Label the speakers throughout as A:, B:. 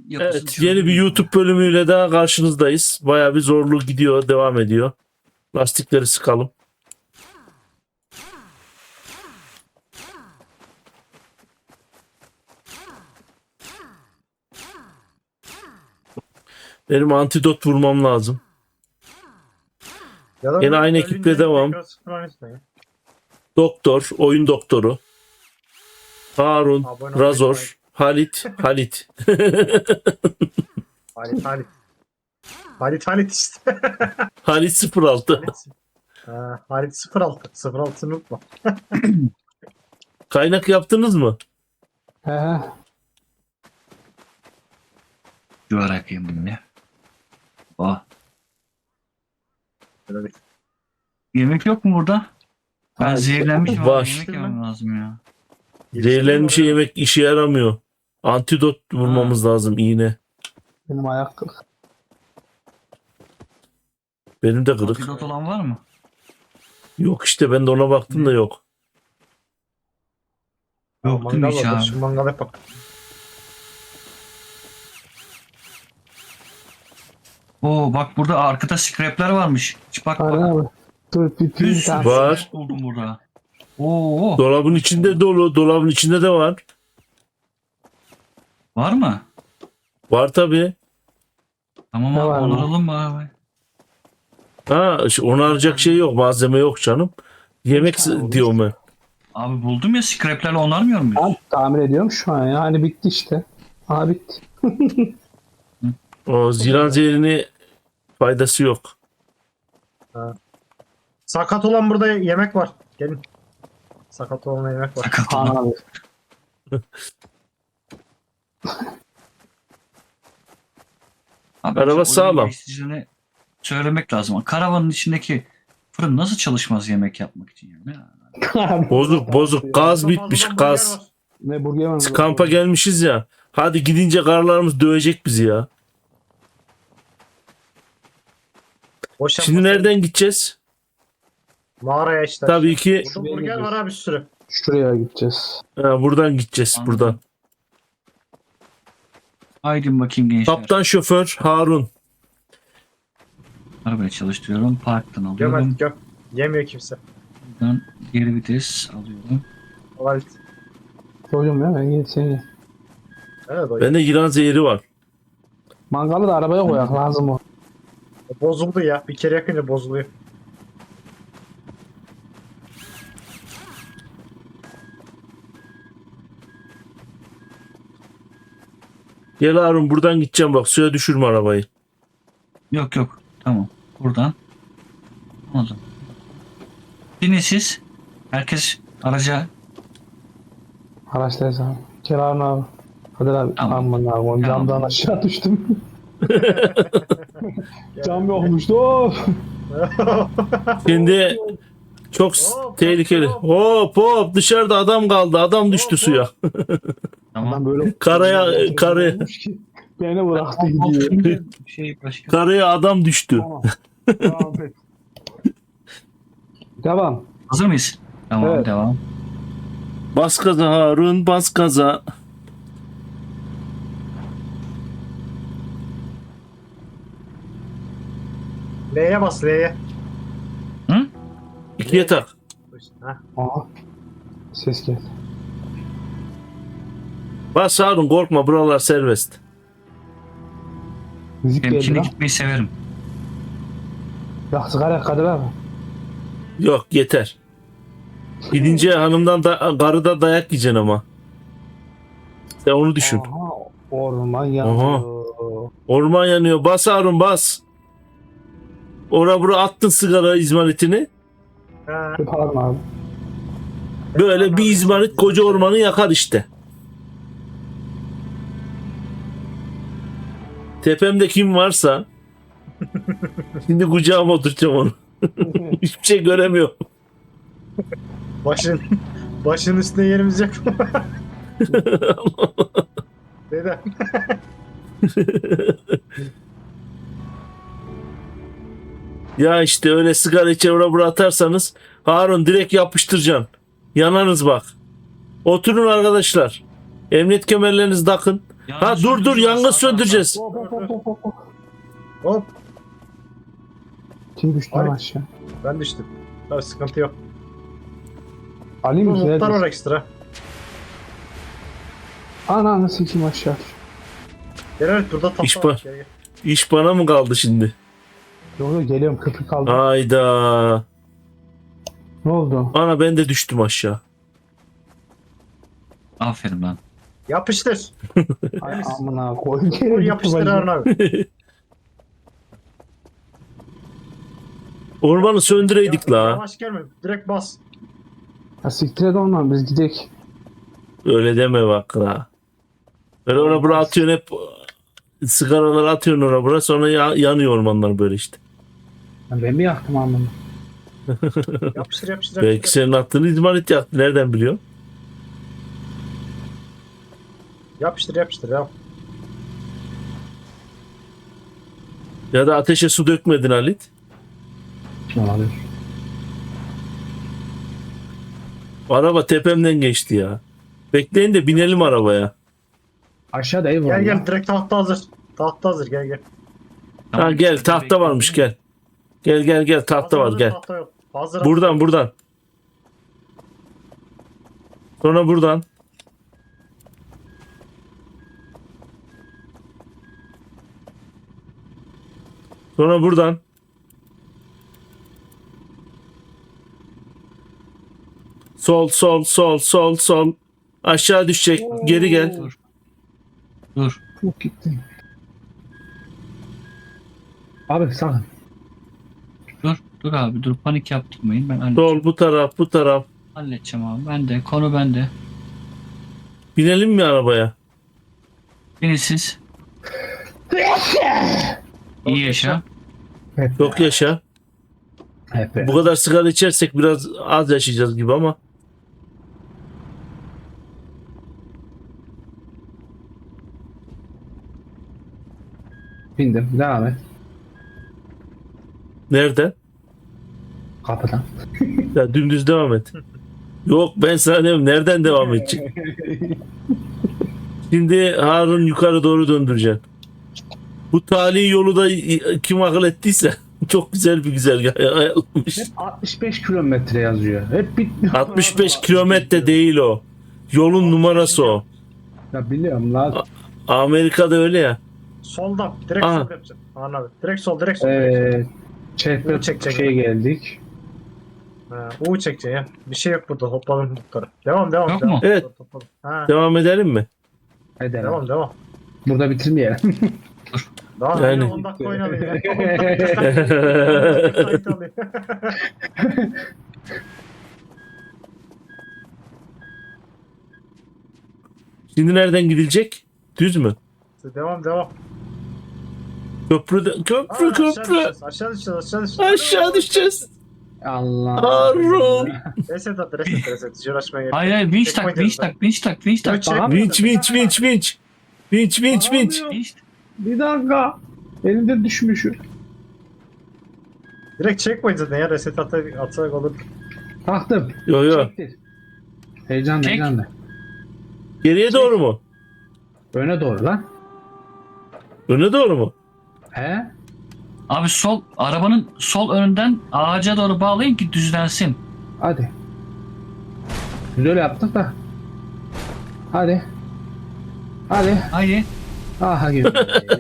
A: yapısını
B: Evet, yeni bir
A: çözdüm.
B: YouTube bölümüyle daha karşınızdayız. Bayağı bir zorlu gidiyor, devam ediyor. Lastikleri sıkalım. Benim antidot vurmam lazım.
C: Ya da
B: Yine aynı
C: ölünce
B: ekiple devam.
C: tekrar sıfırlan ismi ya.
B: Doktor, oyun doktoru. Harun,
C: Abone olmayı
B: Razor, Halit.
C: Halit işte.
B: Halit 06.
C: Halit 06. 06'ını unutma.
B: Kaynak yaptınız mı?
D: He he.
A: Şu bakayım bunu ne? Oh.
C: Böyle bir-
A: Yemek yok mu burada? Ben
D: Hayır,
A: zehirlenmişim.
B: var.
A: Abi, yemek yemem lazım ya.
B: Zehirlenmiş yemek işe yaramıyor. Antidot vurmamız lazım, iğne.
D: Benim ayak kırık.
B: Benim de kırık.
A: Antidot olan var mı?
B: Yok işte, ben de ona baktım da yok.
A: Yok değil mi hiç abi?
C: Şu mangal yapak.
A: Oo bak burada arkada scrapler varmış. Hiç bak
D: Aynen
A: bak.
D: abi. Dur bir
A: Bir
D: pil
A: sürü
D: tane.
B: Var.
A: scrap buldum burada. Oo
B: Dolabın içinde dolu. Dolabın içinde de var.
A: var mı?
B: Var tabii.
A: Tamam
D: Ne
A: abi
D: var mı?
A: onaralım mı abi?
B: Ha, onaracak şey yok. Malzeme yok canım. Yemek
D: tane
B: diyorum ben.
A: Abi buldum ya scraplerle onarmıyor muyuz?
D: Ben tamir ediyorum şu an ya. Hani bitti işte. Aha bitti.
B: O ziran zehrini faydası yok.
C: Sakat olan burada yemek var. Gelin. Sakat olan yemek var.
A: Sakat
D: Kaan
A: olan.
D: abi.
A: Abi,
B: Araba
A: oyun
B: sağlam.
A: geliştiricilerine söylemek lazım. Karavanın içindeki fırın nasıl çalışmaz yemek yapmak için yani? Ya.
B: Bozuk. Gaz
C: Burada
B: bitmiş,
C: fazladan
B: gaz.
C: burger var.
D: Ne burger var?
B: Kampa gelmişiz ya. Hadi gidince karılarımız dövecek bizi ya.
C: Boş
B: Şimdi
C: yapmasın.
B: nereden gideceğiz?
C: Mağaraya işte.
B: Tabii ki
C: Burada burger var abi bir sürü.
D: Şuraya gideceğiz.
B: buradan gideceğiz,
A: Anladım.
B: buradan.
A: Haydi bakayım gençler.
B: Kaptan şoför Harun.
A: Arabayı çalıştırıyorum. Parktan
C: Göm
A: alıyorum.
C: hadi göm. Yemiyor kimse.
A: Buradan geri vites alıyorum.
C: Halit.
D: Hocam ya ben gidip seni.
C: Evet o.
B: Bende yılan zehri var.
D: Mangalı da arabaya koyak lazım o.
C: Bozuldu ya. Bir kere yakınca bozuluyor.
B: Gel Harun, buradan gideceğim bak, suya düşürme arabayı.
A: Yok yok. Tamam. Buradan. Anladım. Binin siz. Herkes araca.
D: Araçtayız abi. Kerarın abi. Hadi abi.
A: Tamam.
D: Aman abi. Camdan
A: Tamam.
D: aşağı düştüm. Cam yokmuştu. Of.
B: Şimdi çok
C: Hop,
B: tehlikeli.
C: hop.
B: Hop dışarıda adam kaldı. Adam düştü
C: Hop,
B: suya.
A: Tamam.
D: Ben böyle
B: Karaya
D: beni bıraktı gidiyor.
A: Şey başka.
B: karaya adam düştü.
D: Tamam. Devam et. Devam.
A: Hazır mıyız? Tamam
D: Evet.
A: devam.
B: Bas gaza Harun, bas gaza.
C: L'ye bas L'ye.
A: Hı?
B: İkiye tak.
C: Ha.
D: Aha. Ses geldi.
B: Bas Harun, korkma, buralar serbest.
D: Müzik geldi
A: Temkine
D: lan.
A: gitmeyi severim.
D: Ya sigara Kadir abi.
B: Yok, yeter. Gidince hanımdan karıda dayak yiyeceksin ama. Sen onu düşün.
D: Aha. Orman yanıyor.
B: Orman yanıyor. Bas Harun, bas. Ora bura attın sigara izmaritini.
C: Ha.
D: Pardon abi.
B: Böyle bir izmarit koca ormanı yakar işte. Tepemde kim varsa şimdi kucağıma oturtacağım onu. Hiçbir şey göremiyorum.
C: Başın üstüne yerimiz yok. Neden?
B: Ya işte öyle sigara içe ora bura atarsanız Harun direkt yapıştıracaksın. Yanarız bak. Oturun arkadaşlar. Emniyet kemerlerinizi takın. Ha dur yangın söndüreceğiz.
D: Hop hop hop hop hop, hop.
C: Hop
D: Kim düştü lan
C: Abi.
D: aşağı?
C: ben düştüm. Tabii sıkıntı yok.
D: Ali
C: Bu
D: mi?
C: muhtar var ekstra.
D: Ananı sikim aşağı.
C: Gel evet burada
B: İş
C: tahta var.
B: var.
C: Gel, gel.
B: İş bana mı kaldı şimdi?
D: Yok yok geliyorum köprü kaldı.
B: Hayda.
D: Ne oldu?
B: Ana ben de düştüm aşağı.
A: Aferin lan.
C: Yapıştır.
D: Ay amına koy.
C: Vur
D: Geri
C: yapıştır Harun abi.
B: Ormanı söndüreydik la.
C: Yavaş gelme. Direkt bas.
D: Ya siktir et ondan biz gidek.
B: Öyle deme bak la. Böyle ona bura atıyorsun hep sigaraları atıyorsun ona bura sonra yanıyor ormanlar böyle işte.
D: Ya ben mi yaktım amına?
C: Yapıştır yapıştır.
B: Belki
C: yapıştır.
B: senin attığını izmarit yaktı. Nereden biliyorsun?
C: Yapıştır yapıştır ya.
B: Ya da ateşe su dökmedin Halit.
D: Olabilir.
B: Araba tepemden geçti ya. Bekleyin de binelim arabaya.
D: Aşağıda ev var.
C: Gel
D: lan.
C: gel direkt tahta hazır. Tahta hazır gel gel.
B: Ha gel tahta varmış gel. Gel tahta var
C: Hazır,
B: gel.
C: Tahta yok. Hazır.
B: Buradan. Sonra buradan. Sonra buradan. Sol. Aşağı düşecek. Geri gel.
A: Dur.
D: Çok gittim. Abi sakın.
A: Dur abi dur panik yaptırmayın. Ben halledeceğim.
B: Sol bu taraf.
A: Halledeceğim abi. Bende. Konu bende.
B: Binelim mi arabaya?
A: Binin siz. İyi yaşa.
D: Hep
B: Yok yaşa.
D: Hep
B: Bu kadar sigara içersek biraz az yaşayacağız gibi ama.
D: bindim. Devam et.
B: Nerede?
D: Kapıdan.
B: Ya dümdüz devam et. Yok ben sana diyorum nereden devam edecek? Şimdi Harun yukarı doğru döndüreceksin. Bu tali yolu da kim akıl ettiyse çok güzel bir güzergah ayarlamış.
D: Hep 65 kilometre yazıyor. Hep bitmiyor.
B: 65 kilometre değil o. Yolun numarası o.
D: Ya biliyorum lan.
B: Amerika'da öyle ya.
C: Soldan. Direkt
B: Aha.
C: sol yapacaksın. Harun abi. Direkt sol. Direkt sol. direkt sol.
D: Çekme
C: Çek.
D: şey geldik.
C: Ha, U çekeceksin ya. Bir şey yok burada. Hoppalım muhtarı. Devam.
A: Yok mu?
B: Evet.
C: Hoppalım. Ha,
B: Devam edelim mi?
D: Hadi
C: devam.
D: Burada bitirmeyelim.
C: Daha
B: Yani.
C: yani. 10 dakika oynayalım ya. 10 dakika kayıt alayım.
B: Şimdi nereden gidilecek? Düz mü?
C: Devam.
B: Köprü.
C: Aşağı düşeceğiz.
B: Aşağı düşeceğiz.
D: Allah.
B: Harun.
C: Reset at. Hiç uğraşmaya gerek yok.
A: Hayır vinç
C: Çekme
A: tak vinç
C: diyorum
A: tak vinç tak vinç tak.
C: Çek.
D: Aha.
B: Vinç.
A: Vinç.
D: Bir dakika. Elimde düşmüşüm.
C: Direkt checkpoint zaten ya. Reset atsak olur.
D: Taktım.
B: Yo.
D: Çektir. Heyecanlı
A: Çek.
D: heyecanlı.
B: Geriye doğru mu?
D: Öne doğru lan.
B: Öne doğru mu?
D: He?
A: Abi arabanın sol önünden ağaca doğru bağlayın ki düzlensin.
D: Hadi. Biz öyle yaptık da. Hadi.
A: Haydi.
D: Aha gibi.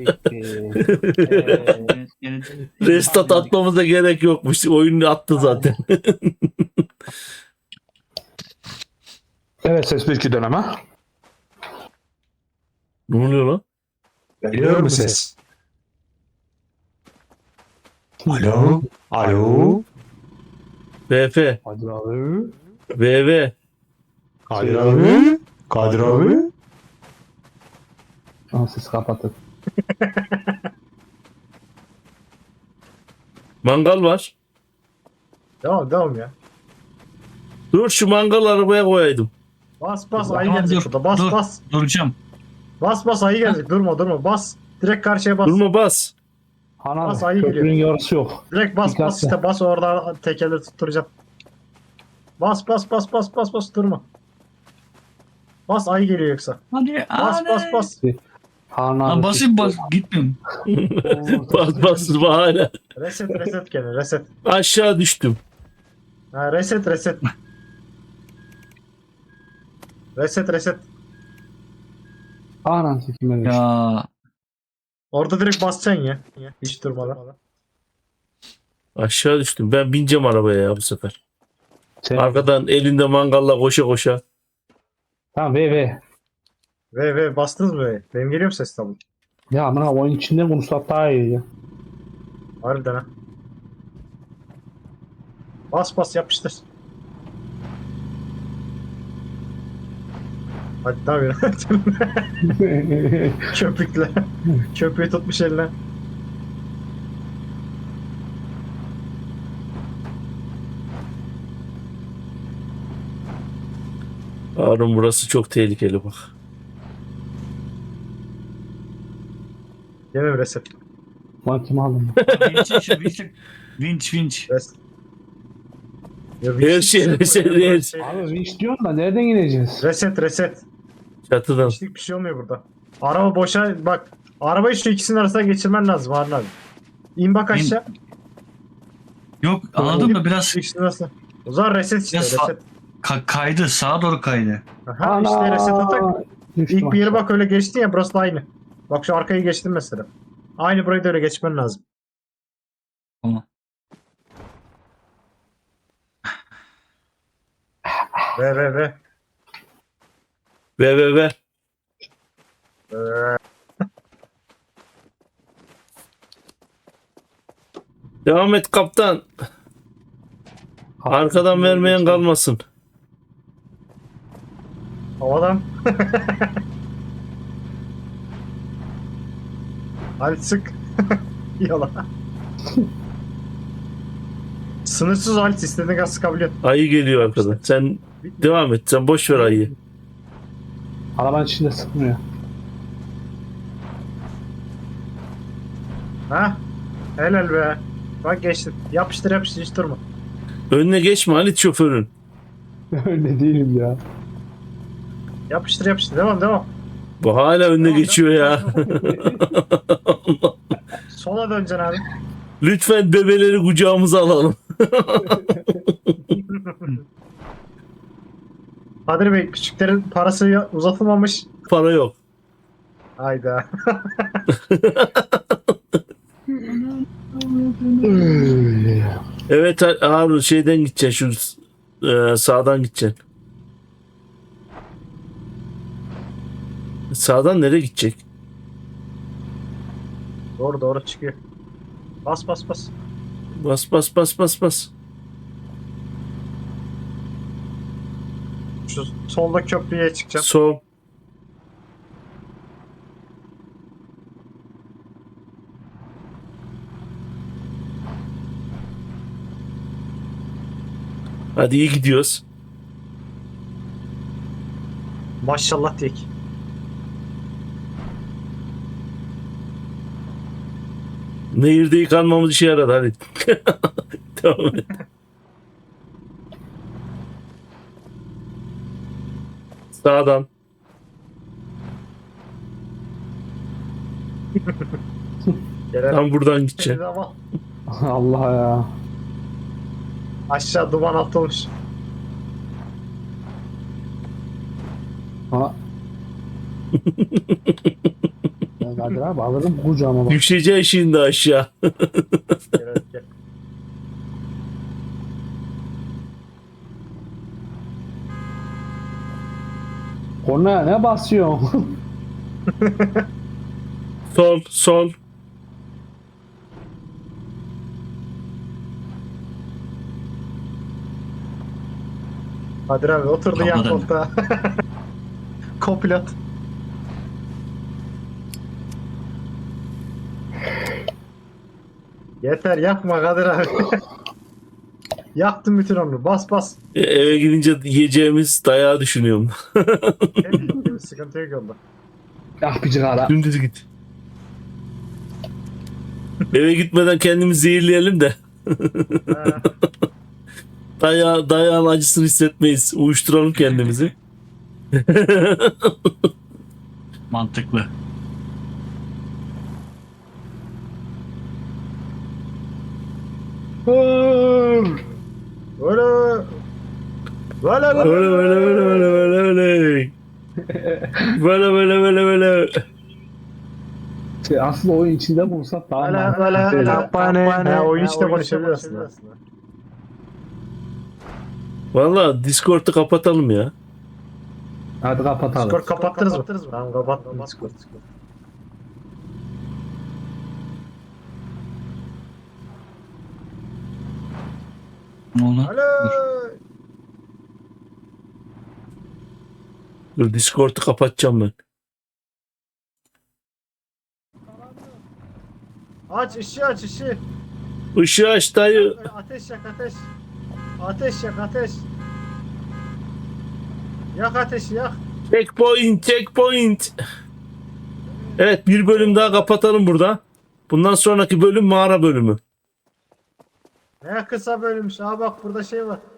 B: Restat atmamıza gerek yokmuş. Oyunu attı zaten.
D: Evet ses 1-2 döneme.
B: Ne oluyor lan?
E: Geliyor mu ses? Alo? Alo?
B: BF.
D: Hadi abi.
B: VV.
E: Kadir abi? Kadir abi?
D: Ama siz kapatın.
B: Mangal var.
C: Devam ya.
B: Dur şu mangal arabaya koyaydım.
C: Bas
A: Tamam,
C: ayı gelecek
A: dur,
C: burada. Bas
A: dur.
C: bas.
A: Duracağım.
C: Bas ayı gelecek. Durma bas. Direkt karşıya bas.
B: Durma bas.
D: Ana
C: Bas, ayı
D: köprünün
C: geliyor.
D: yarısı yok.
C: Direkt bas
D: Dikkatli.
C: işte bas orada tekerleri tutturacaksın. Bas durma. Bas ayı geliyor yoksa.
A: Hadi.
C: Bas.
D: Harun
A: Lan
D: abi.
A: basayım gitmiyorum.
B: Bas hala.
C: Reset gene reset.
B: Aşağı düştüm.
C: Ha, reset. Reset.
D: Harun sikime düştü.
A: Ya
C: Orada direkt basacaksın ya. Hiç durmadan.
B: Aşağı düştüm. Ben bineceğim arabaya ya bu sefer. Arkadan elinde mangalla koşa koşa.
D: Tamam ve.
C: Ve bastınız mı ve? Benim geliyor mu ses tabi?
D: Ya amına oyun içinde konuşsak daha iyi ya.
C: Harbiden ha. Bas yapıştır. Hadi tabii. Köpükle. Köpüğü tutmuş eline.
B: Harun burası çok tehlikeli bak.
C: Yeme reset.
D: Lan kim aldım?
A: vinç.
C: Reset. Ya,
B: Her şey reset.
D: Abi vinç diyorsun da nereden ineceğiz?
C: Reset.
B: Çatıdan.
C: Hiçlik bir şey olmuyor burada. Araba boşa bak. Arabayı şu ikisinin arasına geçirmen lazım Harun abi. İn bak aşağı.
A: Yok anladın mı biraz
C: Şu ikisinin arasına. O zaman reset işte
A: Biraz
C: reset.
A: kaydı sağa doğru kaydı.
C: Aha, işte reset atak.
D: Düştüm
C: İlk bir yere
D: aşağı.
C: bak öyle geçtin ya burası da aynı. Bak şu arkayı geçtin mesela. Aynı burayı da öyle geçmen lazım.
A: Tamam.
C: Ve.
B: Ve. Devam et kaptan. Arkadan vermeyen kalmasın.
C: Havadan. Hadi sık. Yola. Sınırsız halit istediğin kadar sıkabiliyorsun.
B: Ayı geliyor arkadan. Sen devam et. Sen boş ver ayıyı.
D: Arabanın içinde sıkmıyor.
C: Ha? Helal be. Bak geçtin. Yapıştır hiç durma.
B: Önüne geçme Halit şoförün.
D: Öyle değilim ya.
C: Yapıştır. Devam.
B: Bu hala önüne
C: Tamam,
B: geçiyor ya.
C: Sola döneceksin abi.
B: Lütfen bebeleri kucağımıza alalım.
C: Kadir Bey küçüklerin parası uzatılmamış.
B: Para yok.
C: Hayda.
B: Evet Harun şeyden gideceksin. Şu sağdan gideceksin. Sağdan nereye gidecek?
C: Doğru çıkıyor. Bas.
B: Bas.
C: Şu solda köprüye çıkacağım.
B: Sol. Hadi iyi gidiyoruz.
C: Maşallah tek.
B: Nehirde yıkanmamız işe yaradı hadi. Tamam. Sağdan.
C: Gelen
B: Tam buradan gideceksin.
C: ama
D: Allah ya.
C: aşağı duman atılmış.
D: Ha. Ya Kadir abi alırım kucağıma bak.
B: Düşeceğin şimdi aşağı.
C: Gel.
D: Kornaya ne basıyorsun?
B: Sol.
C: Kadir abi oturdu yan
A: Kapıdan.
C: koltuğa. Kopilot. Yeter yakma Kadir abi. Yaktım bütün ömrü. Bas.
B: Eve gidince yiyeceğimiz dayağı düşünüyorum.
C: Temiz, sıkıntı yok yolda.
D: Ah bir cigara.
B: Dümdüz git. Eve gitmeden kendimizi zehirleyelim de
C: Ha,
B: dayağın acısını hissetmeyiz. Uyuşturalım kendimizi.
A: Mantıklı.
C: Öyle. Böyle
B: Öyle öyle öyle öyle öyle öyle. Böyle böyle böyle böyle.
D: Şey, aslında oyun içinde bulsak daha mantıklı.
C: Kampane. Oyun içinde konuşabilir aslında.
B: Valla Discord'u kapatalım ya.
D: Hadi kapatalım.
C: Discord kapattınız mı? Tamam kapattım Discord.
A: Ne oldu?
C: Alo.
A: Dur.
B: Dur Discord'u kapatacağım ben.
C: Aç ışığı aç ışığı.
B: Işığı aç dayı.
C: Ateş yak ateş. Ateş yak ateş. Yak ateşi yak.
B: Checkpoint checkpoint. Evet bir bölüm daha kapatalım burada. Bundan sonraki bölüm mağara bölümü.
C: Ne kısa bölümmüş. Aa bak burada şey var.